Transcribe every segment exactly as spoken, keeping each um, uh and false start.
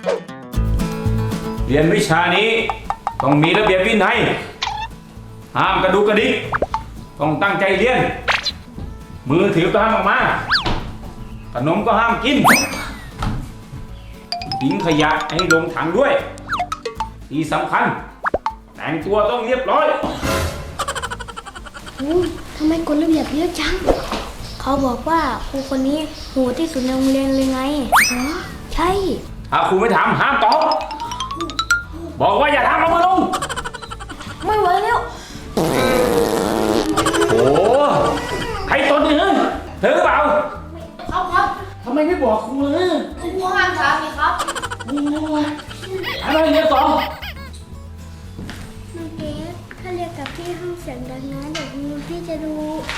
เรียนวิชานี้ต้องมีระเบียบวินัยห้ามกระดุกกระดิกต้องตั้งใจเรียนมือถือก็ห้ามออกมาขนมก็ห้ามกินทิ้งขยะให้ลงถังด้วยที่สำคัญแต่งตัวต้องเรียบร้อยโอ้ทำไมกฎระเบียบเยอะจังเขาบอกว่าครูคนนี้โหดที่สุดในโรงเรียนเลยไงอ๋อใช่ถ้าครูไม่ถามห้ามตอบบอกว่าอย่าทำเอามือลงไม่ไหวแล้วโอ้ใครตนเนี่ยเธอหรือเปล่าครับครับทำไมไม่บอกครูเลยครูห้ามถามไงครับโอ้ยอะไรเนี่ยสองน้องเกดถ้าเรียกกับพี่ห้องเสียงดังนะเดี๋ยวพี่จะดู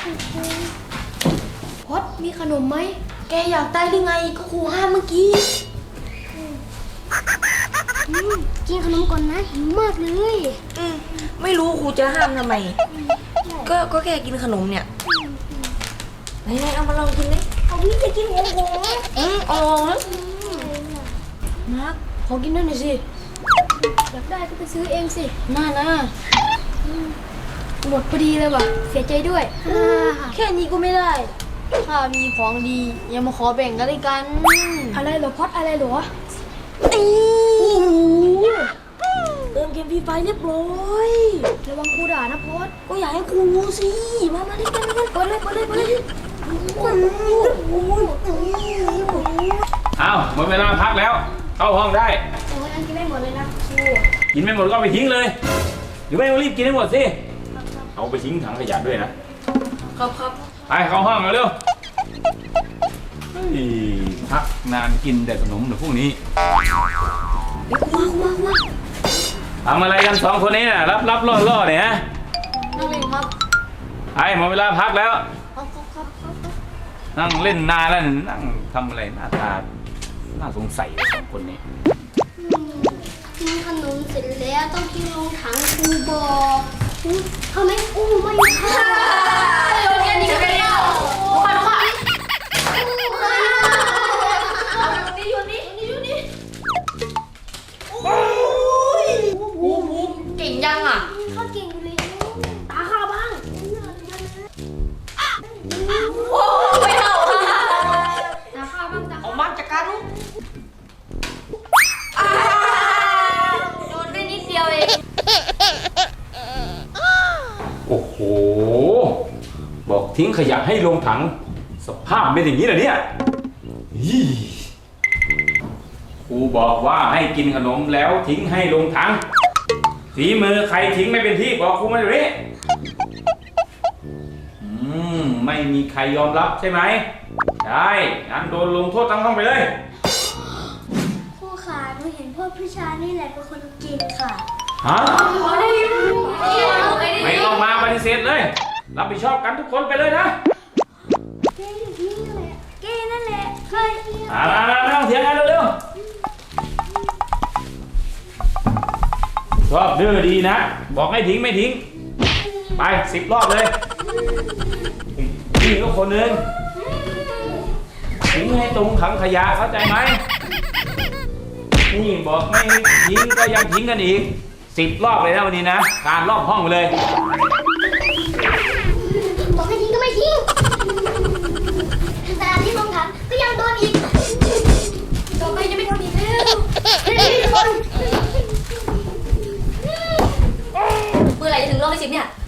พอดมีขนมไหมแกอยากได้หรือไงก็ครูห้ามเมื่อกี้กินขนมก่อนนะหิวมากเลยอืมไม่รู้ครูจะห้ามทำไมก็ก็แค่กินขนมเนี่ยไหนๆเอามาลองกินดิเอาพี่จะกินของผมอืมเอาลองนะมาร์คขอกินด้วยหน่อยสิอยากได้ก็ไปซื้อเองสิน่านะหมดพอดีเลยว่ะเสียใจด้วยแค่นี้ก็ไม่ได้ถ้ามีของดีอย่ามาขอแบ่งกันเลยกันอะไรเหรอพอดอะไรเหรอตีเติมเกมฟรีไฟเรียบร้อยระวังครูด่านะพอดก็อยากให้ครูรู้สิมามาเล่นกันเล่นกันเปิดเลยเปิดเลยเปิดเลยอ้าวหมดเวลาพักแล้วเข้าห้องได้โอ้ยอันกินไม่หมดเลยนะครูกินไม่หมดก็ไปทิ้งเลยหรือไม่รีบกินให้หมดสิเอาไปทิ้งถังขยะด้วยนะครับครับไปเข้าห้องเร็วพักนานกินแต่ขนมเดี๋ยวพวกนี้เดี๋ยวมามามาทำอะไรกันสองคนนี้น่ะรับรับล่อล่อเนี่ยฮะนั่งเล่นครับไอ้หมดเวลาพักแล้วครับครับครับนั่งเล่นนานแล้วนั่งทำอะไรหน้าตาน่าสงสัยสองคนนี้กินขนมเสร็จแล้วต้องกินลงถังครูบอกทำไมอู้ไม่ค่ะโยนแค่นี้ก็ไม่เอาลูกค่ะลูกค่ะเอาอยู่นี่อยู่นี่อยู่นี่โอ้ยวูบวูบเก่งยังอ่ะข้าเก่งเลยตาข้าบ้างโอ้ไม่เอาตาข้าบ้างตาเอามาจากการลูกโดนได้นิดเดียวเองโอ้โหบอกทิ้งขยะให้ลงถังสภาพเป็นอย่างนี้เหรอเนี่ยครูบอกว่าให้กินขนมแล้วทิ้งให้ลงถังฝีมือใครทิ้งไม่เป็นที่บอกครูมาเลยอืมไม่มีใครยอมรับใช่ไหมได้งั้นโดนลงโทษทั้งห้องไปเลยครูขาหนูเห็นพวกผู้ชายนี่แหละเป็นคนเก่งค่ะฮะไม่ต้องมาปฏิเสธเลยรับผิดชอบกันทุกคนไปเลยนะเก้นี่แหละเก้นั่นแหละเคยมามามาไม่ต้องเถียงกันเร็วๆชอบดื้อดีนะบอกให้ทิ้งไม่ทิ้งไปสิบรอบเลยทิ้งก็คนนึงทิ้งให้ตรงถังขยะเข้าใจไหมนี่บอกไม่ทิ้งก็ยังทิ้งกันอีกสิบรอบเลยนะวันนี้นะการรอบห้องไปเลยบอกให้ทิ้งก็ไม่ทิ้งแต่ที่ลงถังก็ยังโดนอีกต่อไปจะไม่ทำอีกแล้วเฮ้ยทุกคนเมื่อไหร่จะถึงรอบที่สิบเนี่ย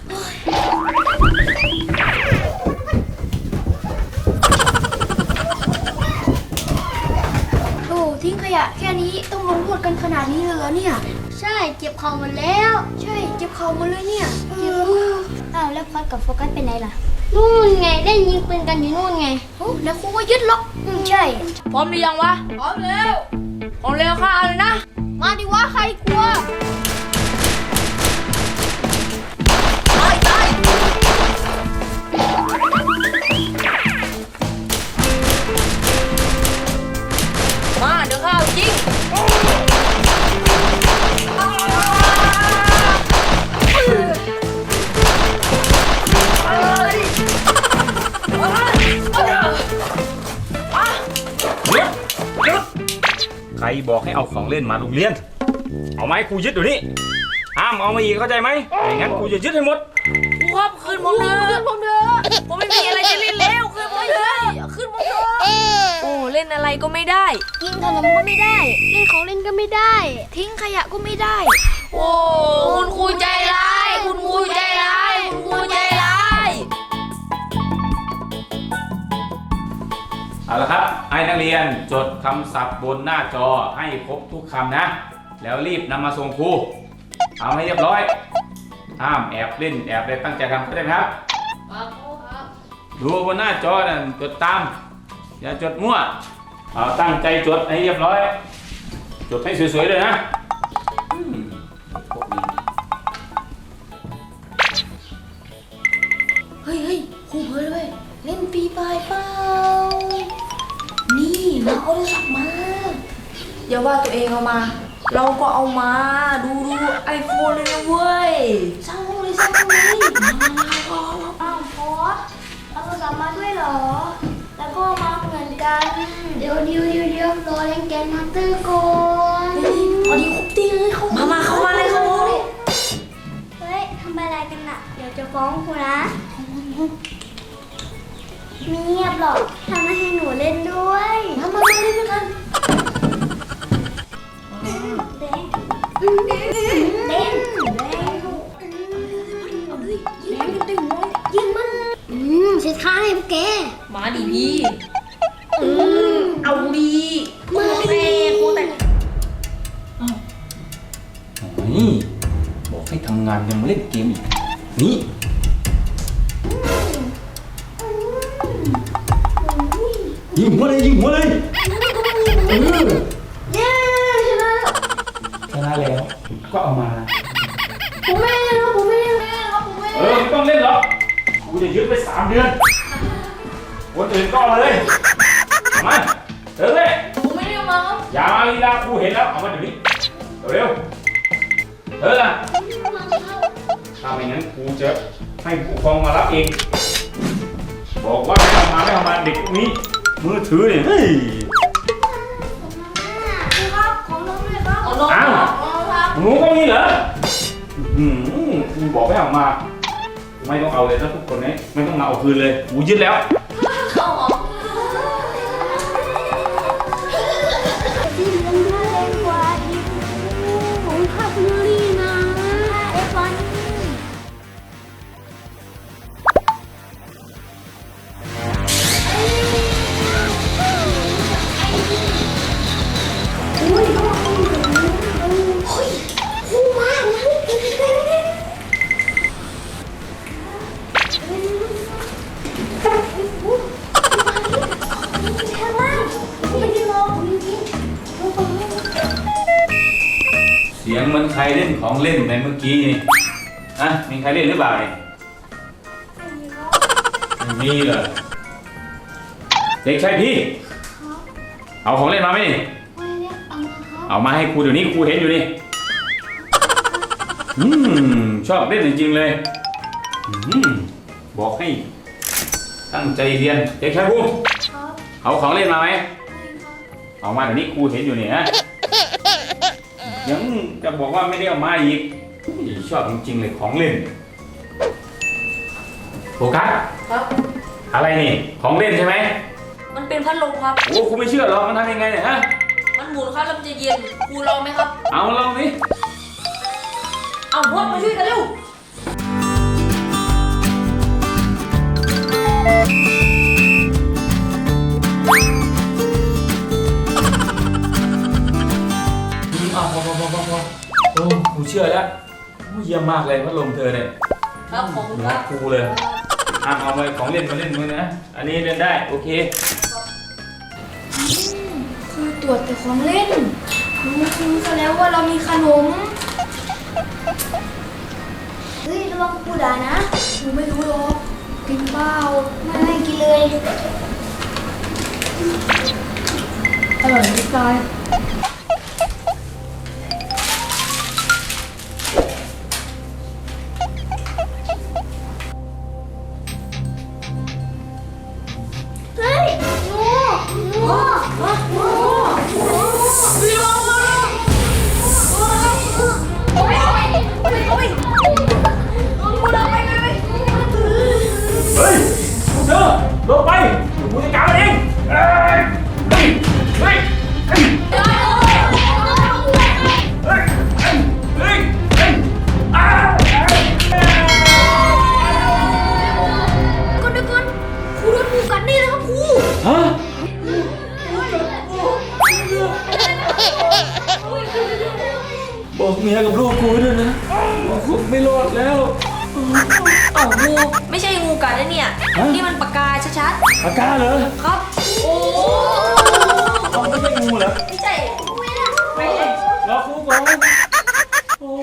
โอ้ทิ้งขยะแค่นี้ต้องลงโทษกันขนาดนี้เลยเหรอเนี่ยใช่เจ็บเข่าหมดแล้วใช่เจ็บเข่าหมดเลยเนี่ยเจ็บอ้าวแล้วพอดกับโฟกัสเป็นไงล่ะนู่นไงได้ยิงปืนกันอยู่นู่นไงโอ้แล้วครูก็ยึดล็อกอืมใช่พร้อมหรือยังวะพร้อมแล้วพร้อมแล้วค่ะเลยนะมาดิวะใครกลัวตายตายมาเดี๋ยวข้าวจริงใครบอกให้เอาของเล่นมาโรงเรียน เอาไหมครูยึดเดี๋ยวนี้ห้ามเอามาอีกเข้าใจไหมไม่งั้นครูจะยึดให้หมดครูครับคืนผมเถอะคืนผมเถอะผมไม่มีอะไรจะเล่นแล้วคืนผมเถอะคืนผมเถอะโอ้เล่นอะไรก็ไม่ได้กินขนมก็ไม่ได้ เล่นของเล่นก็ไม่ได้ ทิ้งขยะก็ไม่ได้โอ้คุณครูใจร้าย คุณครูใจร้าย คุณครูใจร้ายเอาละครับให้นักเรียนจดคำศัพท์บนหน้าจอให้ครบทุกคำนะ แล้วรีบนำมาส่งครูเอาให้เรียบร้อยห้ามแอบเล่นแอบอะไรตั้งใจทำเข้าใจไหมครับดูบนหน้าจอนั่นจดตามอย่าจดมั่วเอาตั้งใจจดให้เรียบร้อย จดให้สวยๆเลยนะอืมพวกนี้เฮ้ยเฮ้ยครูเผลอเลยเล่นปีปลายเปล่า นี่มาเอาโทรศัพท์มาอย่าว่าตัวเองเอามา เราก็เอามา ดูดูไอโฟนเลยนะเว้ยสร้างห้องเลยสร้างห้องเลยอ้าวพอสเอาโทรศัพท์มาด้วยเหรอ แล้วก็มาเหมือนกัน เดี๋ยวเดี๋ยวเดี๋ยวเดี๋ยวรอเล่นแกนมาสเตอร์ก่อนพอดีครบตีเลยเขามามาเข้ามาเลยเข้ามาเลยเฮ้ยทำอะไรกันน่ะ เดี๋ยวจะฟ้องครูนะไม่เงียบหรอกทำให้หนูเล่นด้วยมามามาเล่นด้วยกันเด้งเด้งเด้งเด้งเด้งเด้งยิงมันอืมเสียท่าให้พวกแกมาดิพี่อืมเอาดีมาเต้ครูแต่นี่บอกให้ทำงานยังมาเล่นเกมอีกนี่ยิงหัวเลยยิงหัวเลยเออเย้ชนะแล้วชนะแล้วก็เอามาผมไม่เล่นแล้วผมไม่เล่นแล้วครับผมไม่เอเล่อน ไม่ต้องเล่นหรอกกูจะยึดไปสามเดือนคนอื่นก็เอามาเลยเอามาเออเลยผมไม่ได้เอามาครับอย่ามาลีลาครูเห็นแล้วเอามาเดี๋ยวนี้เร็วๆเออละถ้าไม่งั้นครูจะให้ผู้ปกครองมารับเองบอกว่าไม่ทำมาไม่ทำมาเด็กพวกนี้มือถือเนี่ยเฮ้ยครับของน้องด้วยครับเอาน้องอ้าวเอาครับหนูก็มีเหรออืมครูบอกให้เอามาไม่ต้องเอาเลยนะทุกคนนี้ไม่ต้องมาเอาคืนเลยครูยึดแล้วเข้าหรอที่เล่นด้วยเล่นกว่าอีกผมขับมือลีนะเอฟวันอุ้ยเขาบอกเขาอยู่ตรงนี้เฮ้ยคู่มากนะเสียงเหมือนใครเล่นของเล่นในเมื่อกี้นี่ฮะมีใครเล่นหรือเปล่าเนี่ยไม่มีเหรอเด็กชายพี่เอาของเล่นมาไหมนี่เอามาให้ครูเดี๋ยวนี้ครูเห็นอยู่นี่อืมชอบเล่นจริงๆเลยอืมบอกให้ตั้งใจเรียนเด็กชายภูมิเอาของเล่นมาไหมเอามาเดี๋ยวนี้ครูเห็นอยู่นี่ฮะยังจะบอกว่าไม่ได้เอามาอีกชอบจริงๆเลยของเล่นโฟกัสครับอะไรนี่ของเล่นใช่ไหมมันเป็นพัดลมครับโอ้ครูไม่เชื่อหรอกมันทำยังไงเนี่ยฮะมันหมุนครับแล้วมันจะเย็นครูลองไหมครับเอาลองสิเอาพวกมาช่วยกันเร็วอืมเอาพอพอพอพอพอโอ้ครูเชื่อแล้วโอ้เยี่ยมมากเลยพัดลมเธอเนี่ยครับผมครัรักบครูเลยอ่ะเอาไปของเล่นมาเล่นมือนะอันนี้เล่นได้โอเคคือตรวจแต่ของเล่นรู้คือซะแล้วว่าเรามีขนม เฮ้ยระวังกูด่านะหนูไม่รู้หรอกกินเปล่าไม่ไม่กินเลยอร่อยจะตาย เฮ้ยงูงูงูงูมียกับลูกกูด้วยนะกูไม่รอดแล้วเอ้างูไม่ใช่งูกัดนะเนี่ยฮะนี่มันปากกาชัดปากกาเหรอๆครับ โอ้เอาไม่ใช่งูเหรอไม่ใช่ไปเลยรอครูก่อนโอ้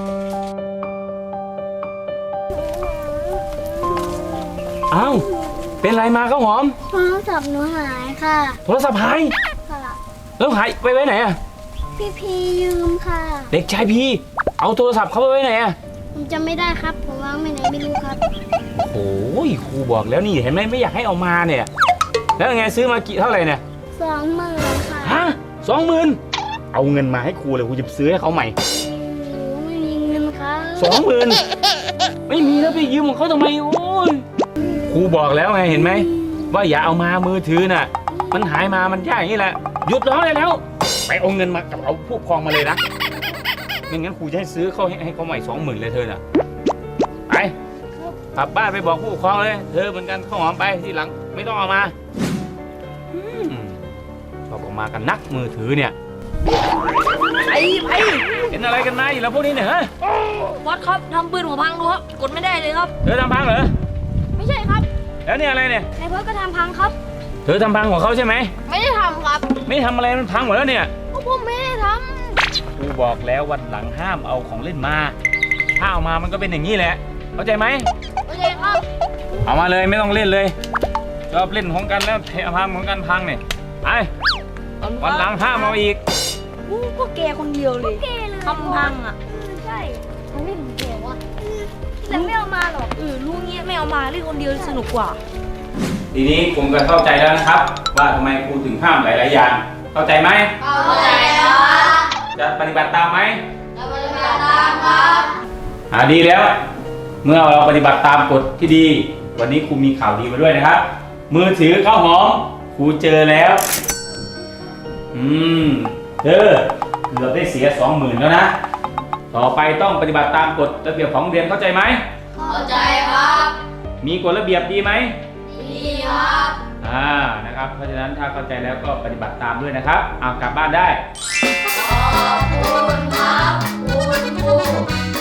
อ้าวเป็นไรมาข้าวหอมโทรศัพท์หนูหายค่ะโทรศัพท์หายค่ะแล้วหายไปไว้ไหนอะพี่พียืมค่ะเด็กชายพีเอาโทรศัพท์เขาไปไว้ไหนอะผมจำไม่ได้ครับ ผมวางไว้ไหนไม่รู้ครับโอ้ยครูบอกแล้วนี่เห็นไหมไม่อยากให้เอามาเนี่ย แล้วยังไงซื้อมากี่เท่าไหร่เนี่ยสองหมื่นค่ะฮะสองหมื่นเอาเงินมาให้ครูเลยครูจะซื้อให้เขาใหม่หนูไม่มีเงินครับสองหมื่นไม่มีแล้วไปยืมของเขาทำไมโอ้ยครูบอกแล้วไงเห็นไหมว่าอย่าเอามามือถือน่ะ มันหายมามันยากอย่างนี้แหละหยุดร้องได้แล้ว ไปเอาเงินมากับเอาผู้ปกครองมาเลยนะไม่งั้นครูจะให้ซื้อเขาให้ให้เขาใหม่สองหมื่นเลยเธอน่ะไปกลับบ้านไปบอกผู้ปกครองเลยเธอเหมือนกันข้าวหอมไปทีหลังไม่ต้องเอามาอืมชอบเออกมากันนักมือถือเนี่ยไปไปเป็นอะไรกันมาอีกแล้วพวกนี้เนี่ยฮะบอสครับทำปืนหัวพังดูครับ กดไม่ได้เลยครับเธอทำพังเหรอไม่ใช่ครับแล้วเนี่ยอะไรเนี่ยนายเพิร์ดก็ทำพังครับเธอทำพังของเขาใช่ไหมไม่ได้ทำครับไม่ทำอะไรมันพังหมดแล้วเนี่ยก็ผมไม่ได้ทครูบอกแล้ววันหลังห้ามเอาของเล่นมาถ้าเอามามันก็เป็นอย่างนี้แหละเข้าใจไหมำโอเคครับเอามาเลยไม่ต้องเล่นเลยชอบเล่นของกันแล้วเทพังของกันพังเนี่ยไปวันหลังห้ามเอาอีกอู้ก็แกคนเดียวเลยเกเลยทำพังอ่ะใช่มันไม่ถึงเกวะแต่ไม่เอามาหรอกเออรู้งี้ไม่เอามาเล่นคนเดียวสนุกกว่าทีนี้ผมก็เข้าใจแล้วนะครับ ว่าทำไมครูถึงห้ามหลายๆอย่างเข้าใจไหมเข้าใจแล้วจะปฏิบัติตามไหมจะปฏิบัติตามครับอ่าดีแล้ว เมื่อเราปฏิบัติตามกฎที่ดี วันนี้ครูมีข่าวดีมาด้วยนะครับ มือถือข้าวหอมครูเจอแล้ว อืมเธอเกือบได้เสียสองหมื่นแล้วนะ ต่อไปต้องปฏิบัติตามกฎระเบียบของโรงเรียนเข้าใจไหมเข้าใจครับมีกฎระเบียบดีไหมดีครับอ่านะครับ เพราะฉะนั้นถ้าเข้าใจแล้วก็ปฏิบัติตามด้วยนะครับเอากลับบ้านได้ขอบคุณครับคุณครู